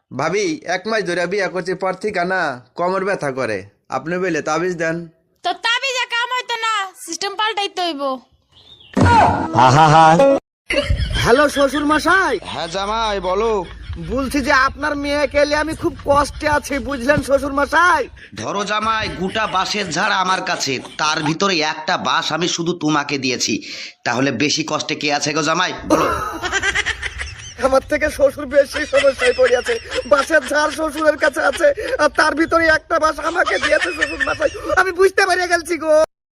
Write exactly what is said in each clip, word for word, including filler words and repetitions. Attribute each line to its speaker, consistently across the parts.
Speaker 1: ভাবি এক মাস ধরে বিয়া করছি পর থেকে না কোমর ব্যথা করে, আপনি বলে তাবিজ দেন।
Speaker 2: তো তাবিজে কাম হইতো না, সিস্টেম পাল্টাইতে হইব।
Speaker 3: হ্যালো শ্বশুর মশাই,
Speaker 1: হ্যাঁ জামাই বলো।
Speaker 3: বলছি যে আপনার মেয়েকে নিয়ে আমি খুব কষ্টে আছি, বুঝলেন শ্বশুর মশাই।
Speaker 4: ধরো জামাই, গোটা বাঁশের ঝাড় আমার কাছে, তার ভিতরে একটা বাঁশ আমি শুধু তোমাকে দিয়েছি, তাহলে বেশি কষ্টে কে আছে গো জামাই বলো?
Speaker 3: আমার থেকে শ্বশুর বেশি সমস্যায় পড়িয়াছে। বাসের ঝাড় শ্বশুরের কাছে আছে, আর তার ভিতরে একটা বাস আমাকে দিয়েছে শ্বশুর মশাই। আমি বুঝতে পারিয়া গেছি গো।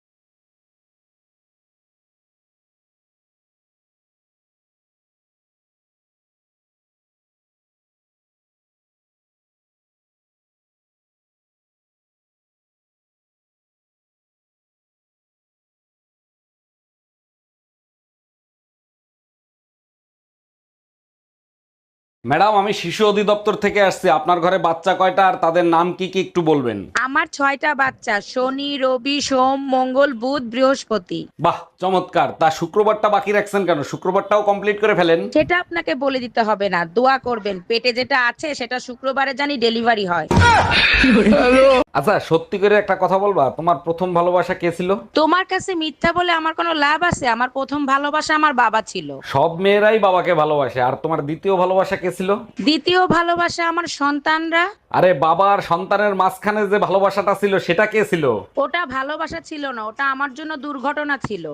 Speaker 5: ম্যাডাম, আমি শিশু অধিদপ্তর থেকে আসছি। আপনার ঘরে বাচ্চা কয়টা আর তাদের নাম কি কি একটু বলবেন?
Speaker 6: আমার ছয়টা বাচ্চা, শনি রবি সোম মঙ্গল বুধ বৃহস্পতি।
Speaker 5: বাহ, চমৎকার। তা শুক্রবারটা বাকি রাখছেন কেন? শুক্রবারটাও কমপ্লিট করে ফেলেন।
Speaker 6: সেটা আপনাকে বলে দিতে হবে না, দোয়া করবেন পেটে যেটা আছে সেটা শুক্রবারে জানি ডেলিভারি হয়।
Speaker 5: আচ্ছা, সত্যি করে একটা কথা বলবা, তোমার প্রথম ভালোবাসা কে ছিল?
Speaker 6: তোমার কাছে মিথ্যা বলে আমার কোনো লাভ আছে? আমার প্রথম ভালোবাসা আমার বাবা ছিল।
Speaker 5: সব মেয়েরাই বাবাকে ভালোবাসে। আর তোমার দ্বিতীয় ভালোবাসা কে ছিল?
Speaker 6: দ্বিতীয় ভালোবাসা আমার সন্তানরা।
Speaker 5: আরে বাবা আর সন্তানের মাঝখানে যে ভালোবাসাটা ছিল সেটা কে ছিল?
Speaker 6: ওটা ভালোবাসা ছিল না, ওটা আমার জন্য দুর্ঘটনা ছিল।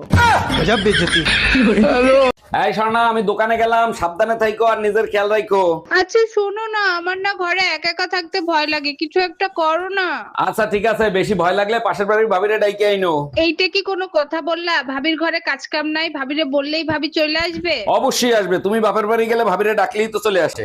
Speaker 5: এই স্বর্ণা, আমি দোকানে গেলাম, সাবধানে থাইকো আর নিজের খেয়াল রাখো।
Speaker 7: আচ্ছা শোনো না, আমার না ঘরে একা একা থাকতে ভয় লাগে, কিছু একটা করো না।
Speaker 5: আচ্ছা ঠিক আছে, বেশি ভয় লাগলে পাশের বাড়ির ভাবিরে ডাইকে আইনো।
Speaker 7: এইটা কি কোনো কথা বললা? ভাবির ঘরে কাজ কাম নাই, ভাবিরে বললেই ভাবি চলে আসবে?
Speaker 5: অবশ্যই আসবে, তুমি বাপের বাড়ি গেলে ভাবিরে ডাকলেই তো চলে আসে।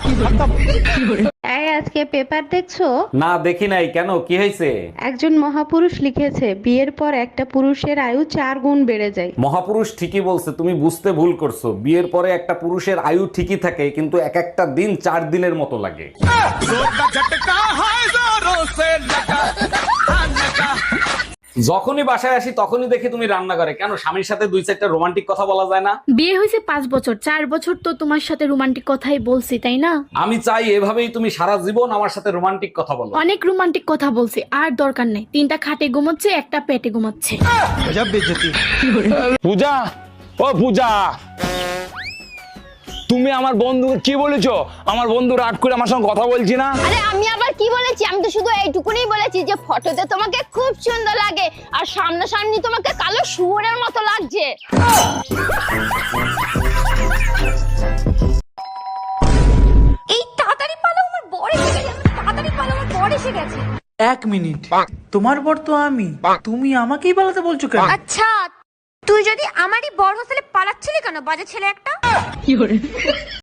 Speaker 8: এই আজকে পেপার দেখছো?
Speaker 5: না দেখি নাই, কেন কি হয়েছে?
Speaker 8: একজন মহাপুরুষ লিখেছে বিয়ের পর একটা পুরুষের আয়ু চার গুণ বেড়ে যায়।
Speaker 5: মহাপুরুষ ঠিকই বলছে, তুমি বুঝতে ভুল করছো। বিয়ের পরে একটা পুরুষের আয়ু ঠিকই থাকে, কিন্তু এক একটা দিন চার দিনের মতো লাগে। যখনই বাসায় আসি তখনই দেখি তুমি রান্না করে। কেন, স্বামীর সাথে দুই চারটা রোমান্টিক কথা বলা যায় না?
Speaker 9: বিয়ে হয়েছে পাঁচ বছর, চার বছর তো তোমার সাথে রোমান্টিক কথাই বলছি, তাই না?
Speaker 5: আমি চাই এভাবেই তুমি সারা জীবন আমার সাথে রোমান্টিক কথা বলো।
Speaker 9: অনেক রোমান্টিক কথা বলছি, আর দরকার নেই। তিনটা খাটে ঘুমাচ্ছে, একটা পেটে ঘুমাচ্ছে।
Speaker 10: পূজা, ও পূজা, তুমি আমার বন্ধুকে কি বলেছো? আমার বন্ধু রাগ করে আমার সঙ্গে কথা বলছি না।
Speaker 2: আরে আমি আবার কি বলেছি? আমি তো শুধু এইটুকুনি বলেছি যে ফটোতে তোমাকে খুব সুন্দর লাগে আর সামনাসামনি তোমাকে কালো শুয়োরের মতো লাগছে। এই তাড়াতাড়ি পালো, আমার বর এসে গেছে। তাড়াতাড়ি পালো, আমার বর এসে গেছে।
Speaker 3: এক মিনিট, তোমার বর তো আমি, তুমি আমাকেই পালাতে বলছো কেন?
Speaker 2: আচ্ছা, তুই যদি আমারই বর হোস্টেলে পালাচ্ছিলি কেন, বাজে ছেলে একটা?